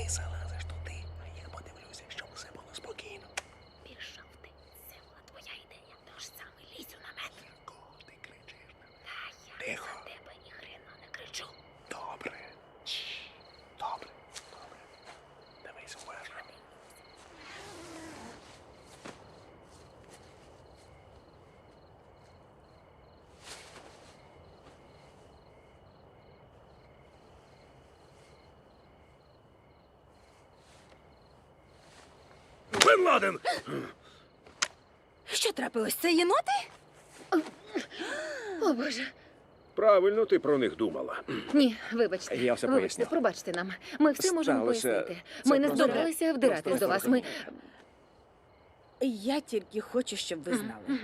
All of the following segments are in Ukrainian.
Ти залазиш туди, а я подивлюся, щоб все було спокійно. Пішов ти. Це була твоя ідея. Тож саме лізь у намет. Кого ти кричиш на мене? Та я Тихо. за тебе ні хрена не кричу. Добре. Добре. Добре. Дивись уважно. Бен Ладен! Що трапилось? Це єноти? О, Боже. Правильно ти про них думала. Ні, вибачте. Я все Вибачте, поясню. пробачте нам. Ми все можемо Сталося- пояснити. це Ми не просто- збиралися вдиратись просто до вас. Ми... Я тільки хочу, щоб ви знали.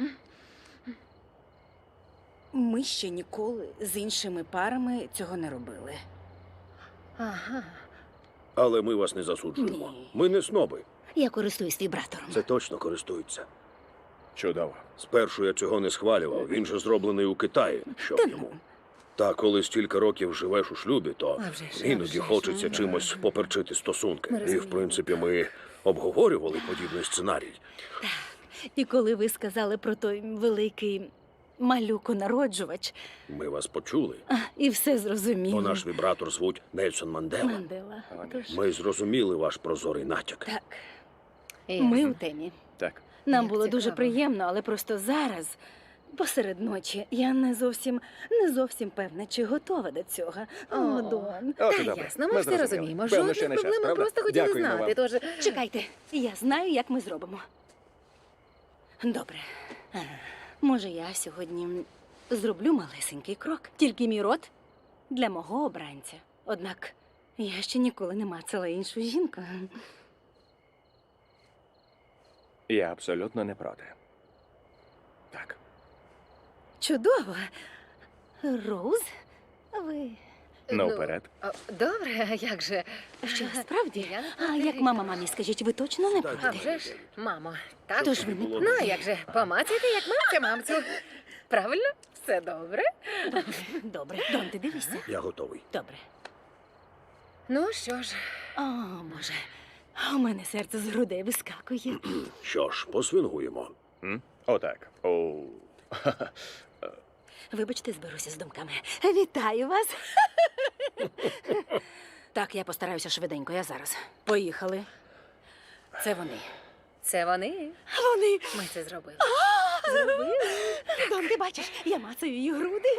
Ми ще ніколи з іншими парами цього не робили. Ага. Але ми вас не засуджуємо. Ні. Ми не сноби. Я користуюсь вібратором. Це точно користуються. Чудово. Спершу я цього не схвалював. Він же зроблений у Китаї. Що Та б йому? Та коли стільки років живеш у шлюбі, то А вже ж, іноді а вже ж. хочеться чимось поперчити стосунки. Ми І, в розуміємо. принципі, ми обговорювали подібний сценарій. І коли ви сказали про той великий малюко-народжувач, Ми вас почули, і все зрозуміло. бо наш вібратор звуть Нельсон Мандела. Мандела. Тож, Ми зрозуміли ваш прозорий натяк. так, І- ми у темі. Так. Нам Як було дуже цікаво. приємно, але просто зараз, посеред ночі, я не зовсім певна, чи готова до цього. О, Дон. От і Та добре. ясно, ми все зрозуміли. розуміємо. Певно, Жодних ще не час, проблем, ми правда? просто хотіли Дякуємо знати. вам. Тож, Чекайте, я знаю, як ми зробимо. Добре. Може, я сьогодні зроблю малесенький крок. Тільки мій рот для мого обранця. Однак я ще ніколи не мацала іншу жінку. Я абсолютно не проти. Так. Чудово. Роуз, ви Ну, вперед. Добре, а як же? що, справді? Я не А проти. як мама мамі, скажіть, ви точно не Так, А проти? вже ж, мамо. Так? Тож ви не було Ну, а як же, помацайте, як мамця мамцю. Правильно? Все добре? Добре, Дон, ти дивишся? Я готовий. Добре. Ну, що ж, О, Боже, у мене серце з грудей вискакує. Що ж, посвингуємо. Отак. О. Вибачте, зберуся з думками. Вітаю вас. Так, я постараюся швиденько, я зараз. Поїхали. Це вони. це вони. Вони. Ми це зробили. Дон, ти бачиш, я мацаю її груди.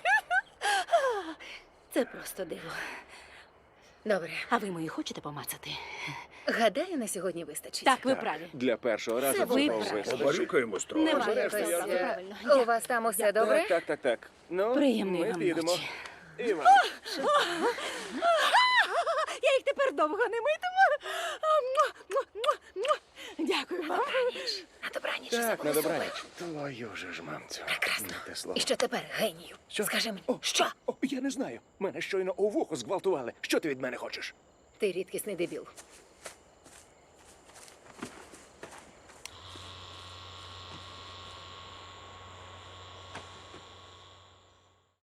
Це просто диво. Добре. А ви мої хочете помацати? Гадаю, на сьогодні вистачить. Так, ви праві. Для першого разу Це ви цього праві. вистачить. Побарюкаємось трохи. Немає Якось, якось, е, правильно. У вас там усе добре? Так. Ну, Приємної ми вам підемо. ночі. І вам. Я їх тепер довго не митиму. Дякую вам. На добраніч. Так, все на було добраніч. супер. Твою же ж мамцю. Прекрасно. Не те слово. І що тепер, генію? Що? Скажи мені, О, що? О, я не знаю. Мене щойно у вухо зґвалтували. Що ти від мене хочеш? Ти рідкісний дебіл.